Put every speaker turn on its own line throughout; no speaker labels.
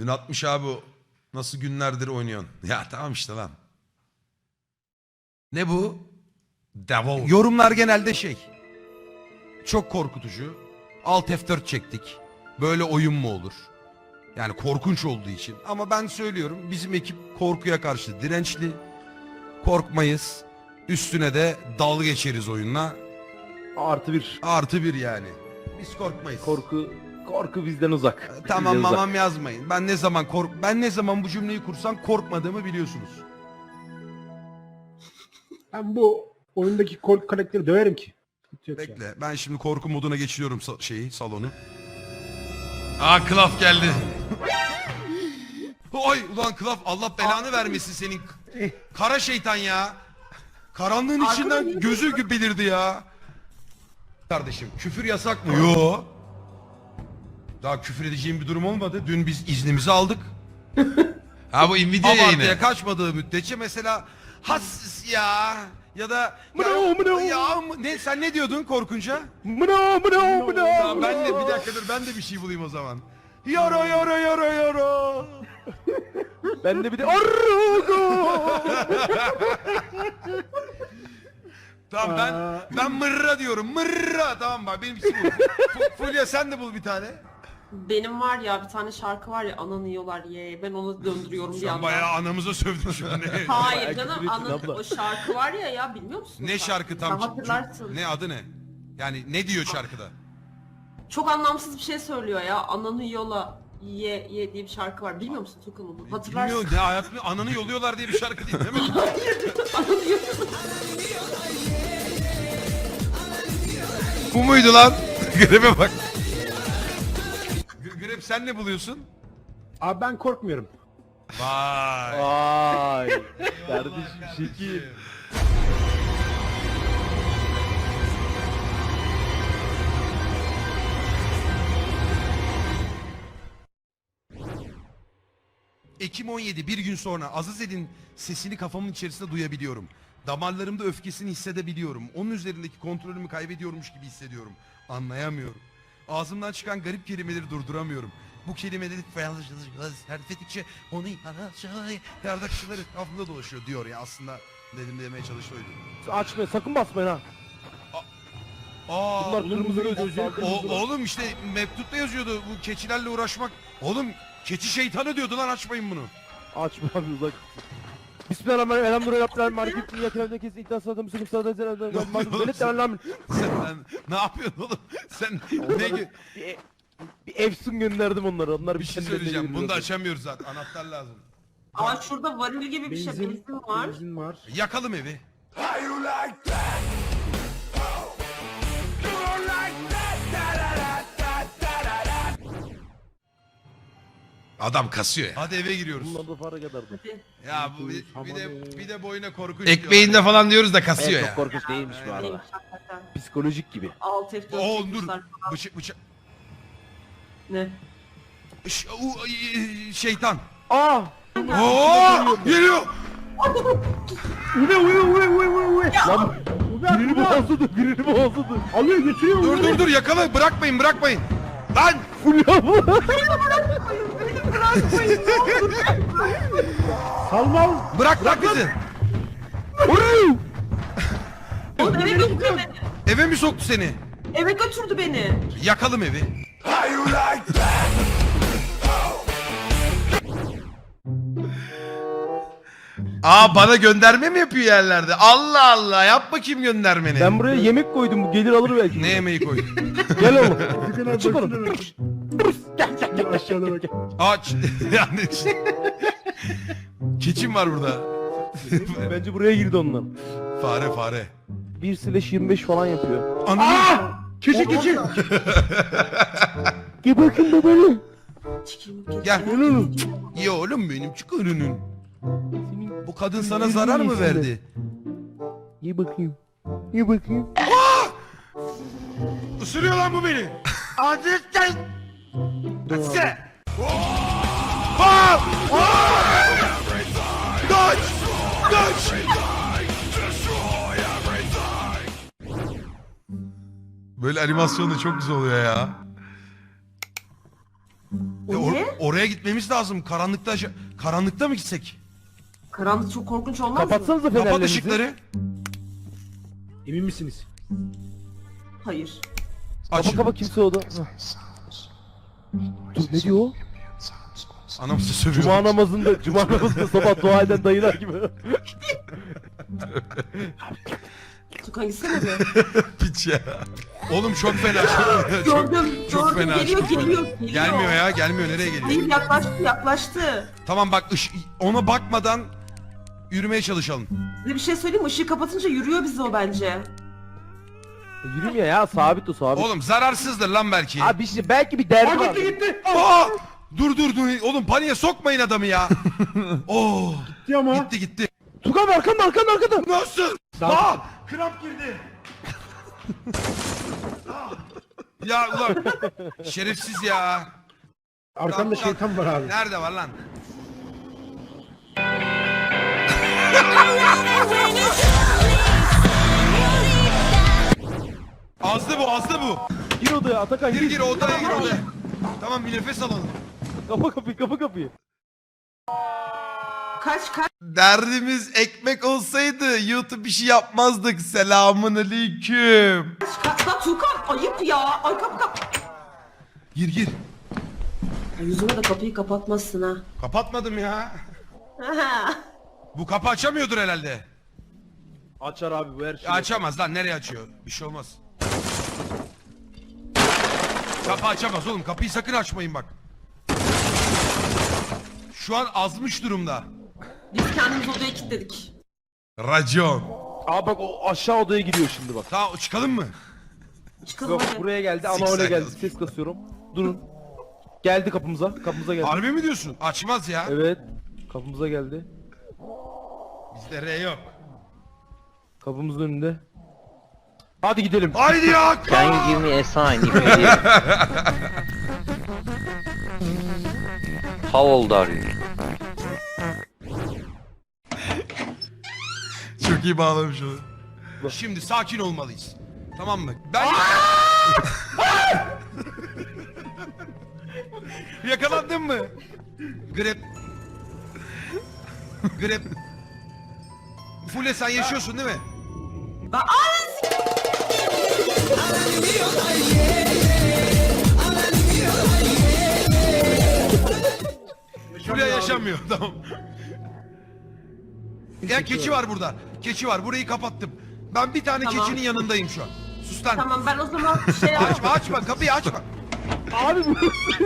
Dün atmış abi o. Nasıl günlerdir oynuyorsun? Ya tamam işte lan. Ne bu? Devil. Yorumlar genelde şey. Çok korkutucu. Alt F4 çektik. Böyle oyun mu olur? Yani korkunç olduğu için. Ama ben söylüyorum bizim ekip korkuya karşı dirençli. Korkmayız. Üstüne de dalga geçeriz oyunla.
Artı bir.
Artı bir yani. Biz korkmayız.
Korku bizden uzak.
Tamam
Bizden
mamam yazmayın. Ben ne zaman bu cümleyi kursam korkmadığımı biliyorsunuz.
Ben bu oyundaki korku karakteri döverim ki. Hiç yok yani.
Bekle. Ben şimdi korku moduna geçiriyorum salonu. Aa Klaf geldi. Oy ulan Klaf Allah belanı vermesin senin. Kara şeytan ya. Karanlığın içinden gözü belirdi ya. Kardeşim küfür yasak mı? Yo. Daha küfür edeceğim bir durum olmadı. Dün biz iznimizi aldık.
Ha bu Nvidia yayını.
Abartıya kaçmadığı müddetçe mesela has ya ya da ne sen ne diyordun korkunca? Tamam, ben de bir dakika dur ben de bir şey bulayım o zaman. Yara yara yara yara.
Ben de bir de
Tamam ben mırra diyorum. Mırra tamam bak benim için bu. Fulya sen de bul bir tane.
Benim var ya bir tane şarkı var ya ananı yiyorlar ye. Ben onu döndürüyorum bir
Sen
yandan.
bayağı anamıza sövdün şimdi.
Hayır
Bayağı
canım
küfür ettin
ana,
abla.
o şarkı var ya bilmiyor musun?
Ne şarkı tam?
Sen hatırlarsın.
Ne adı ne? Yani ne diyor şarkıda?
Çok anlamsız bir şey söylüyor ya. Ananı yola ye ye diye bir şarkı var. Bilmiyor musun Tukan onu? Hatırlarsın.
Bilmiyorum ne hayatımda ananı yoluyorlar diye bir şarkı değil mi?
Ananı yola.
Bu muydu lan? Grebe bak. Grep sen ne buluyorsun?
Abi ben korkmuyorum.
Vay.
Vay. Kardeşim şekil.
Ekim 17 bir gün sonra Azazel'in sesini kafamın içerisinde duyabiliyorum. Damarlarımda öfkesini hissedebiliyorum. Onun üzerindeki kontrolümü kaybediyormuş gibi hissediyorum. Anlayamıyorum. Ağzımdan çıkan garip kelimeleri durduramıyorum. Bu kelimeleri serfettikçe onu yardakçıları etrafında dolaşıyor diyor ya aslında dedim demeye çalıştı oydu.
Açmayın sakın basmayın ha.
Aa,
Bunlar kırmızı göz.
oğlum işte mektupta yazıyordu bu keçilerle uğraşmak. Oğlum keçi şeytanı diyordu lan açmayın bunu.
Açma abi uzak. Bismillahirrahmanirrahim. Elhamdülillahirrahmanirrahim. Malik ibn Yakirev'de kesin iddia sadım sıkıp sadım
Sen ne yapıyorsun oğlum? Sen ne
bir efsun gönderdim onlara. Onlar
bir şey
kendilerine
söyleyeceğim. Bunu da
geliyorlar.
açamıyoruz zaten. Anahtar lazım.
Aa şurada varil gibi bir şey benzin var.
Benzin var.
Yakalım evi. Adam kasıyor ya. Hadi eve giriyoruz.
Bunlar da para kadardı.
Ya bu bir de boyuna korkunç.
Ekmeğinde falan diyoruz da kasıyor
Evet,
ya.
çok korkunç değilmiş bu arada.
Neymiş hakikaten.
Psikolojik gibi.
Alt F4
Oo dur.
çekmişler.
Bıçak.
Ne?
Şeytan.
Aa!
Oo! Geliyor.
Lan birini boğazladı, birini boğazladı.
Alıyor götürüyor.
Dur yakala bırakmayın. Lan!
Fulya bu.
Salmal.
Bırak bizi.
O eve götürdü beni.
Eve mi soktu seni?
Eve götürdü beni.
Yakalım evi.
Aa bana gönderme mi yapıyor yerlerde? Allah Allah yap bakayım göndermeni.
Ben buraya yemek koydum, bu gelir alır belki.
Ne yemeği koydun?
Gel oğlum.
Tıkına
Çık
başına
oğlum.
bak.
Gel
Aşağıda bak.
Aç. Yani keçim var burada.
Bence buraya girdi onlar.
Fare.
1/25 falan yapıyor.
Ananı.
Keçi.
Gel bakın babanı.
Çekilin
Gel.
oğlum.
Ya oğlum benim çık önünün.
Senin
Bu kadın sana zarar mı verdi?
Ye bakayım. Ye bakayım.
Isırıyor lan bu beni. Adresten. Sen. Kaç. Böyle animasyon da çok güzel oluyor ya.
Niye?
Oraya gitmemiz lazım. Karanlıkta mı gitsek?
Karanlık çok korkunç olmaz mı?
Kapatsanıza
Kapat
fenerlerinizi.
ışıkları.
Emin misiniz?
Hayır.
Aç.
Kapa kimse o da. Hah. Dur ne diyor o?
Anamızı sövüyor.
Cuma namazında sabah dua eden dayılar gibi.
Tukan gitsene be.
Piç ya. Oğlum çok fena.
Gördüm.
çok
Gördüm.
fena,
Geliyor,
çok fena.
geliyor.
Gelmiyor ya, gelmiyor. Nereye geliyor?
Hayır, yaklaştı.
Tamam bak, ona bakmadan yürümeye çalışalım.
Size bir şey söyleyeyim mi? Işığı kapatınca yürüyor bizi o bence.
Yürümüyor ya, sabit o sabit.
Oğlum zararsızdır lan belki.
Abi işte belki bir derdi var.
Gitti.
Aa! Dur. Oğlum paniğe sokmayın adamı ya. Oo!
Gitti ama.
Gitti.
Tukan arkanda.
Nasıl? Aa! Kramp girdi. Ya ulan şerefsiz ya.
Arkamda şeytan var abi.
Nerede var lan? Azdı bu.
Gir odaya Atakan
Gir odaya. Tamam, bir nefes alalım.
Kapa kapıyı.
Kaç.
Derdimiz ekmek olsaydı YouTube bir şey yapmazdık. Selamun aleyküm.
Lan Tukan ayıp ya. Ay kap.
Gir.
Yüzüme de kapıyı kapatmazsın ha.
Kapatmadım ya. Bu kapı açamıyordur herhalde.
Açar abi bu her şeyi.
Açamaz lan, nereye açıyor? Bir şey olmaz. Kapı açamaz oğlum, kapıyı sakın açmayın bak. Şu an azmış durumda.
Biz kendimizi odaya kilitledik.
Racon.
Aa bak o aşağı odaya gidiyor şimdi bak.
Tamam, çıkalım mı?
Çıkalım
Yok
hadi.
buraya geldi ama
Sik
öyle geldi.
sakız.
Ses kasıyorum. Durun. Geldi kapımıza geldi.
Harbi mi diyorsun? Açmaz ya.
Evet. Kapımıza geldi.
Bizde R yok.
Kapımızın önünde. Hadi gidelim.
Haydi ya.
Can you give me a sign if you hear? How old are you?
Çok iyi bağlamış onu. Şimdi sakin olmalıyız. Tamam mı? Ben... Yakalandın mı? Grep. Fule sen yaşıyorsun değil mi? Fule yaşamıyor, tamam. Ya keçi var burada. Keçi var. Burayı kapattım. Ben bir tane
Tamam.
keçinin yanındayım şu an. Sus lan.
Tamam ben o zaman
Açma kapıyı açma.
Abi bu.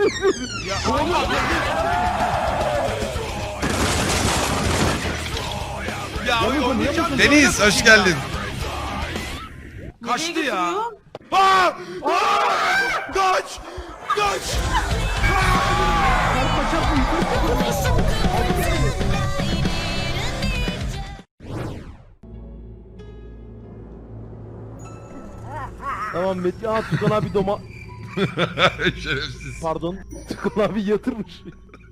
Ya oynayacağım.
Deniz hoş geldin.
Kaçtı
Nereye
ya.
götürüyor?
Aa! Kaç!
Tamam Metin. Aa Tukan abi
Şerefsiz.
Pardon. Tukan abi yatırmış.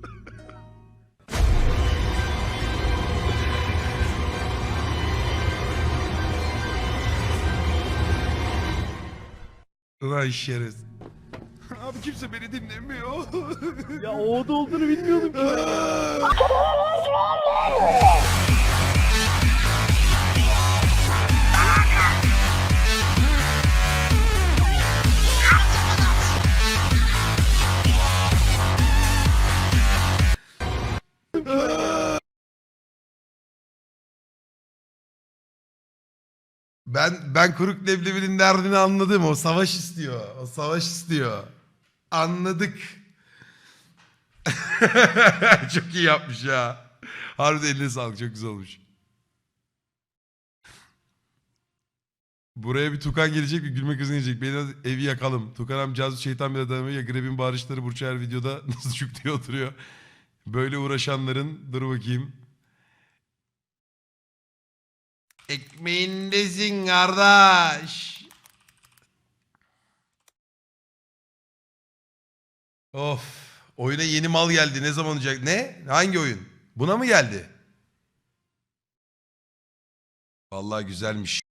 Ulan şerefsiz. Abi kimse beni dinlemiyor.
Ya o oda olduğunu bilmiyordum ki.
Ben kuruk leblebinin derdini anladım. O savaş istiyor. Anladık. Çok iyi yapmış ya. Harbiden eline sağlık. Çok güzel olmuş. Buraya bir Tukan gelecek, bir gülme kızı gelecek. Beni evi yakalım. Tukan amcazı şeytan bile dayanamıyor. Ya Greb'in bağırışları Burç her videoda nasıl çük diye oturuyor. Böyle uğraşanların, dur bakayım. Ekmeğindesin kardeş. Of. Oyuna yeni mal geldi. Ne zaman olacak? Ne? Hangi oyun? Buna mı geldi? Vallahi güzelmiş.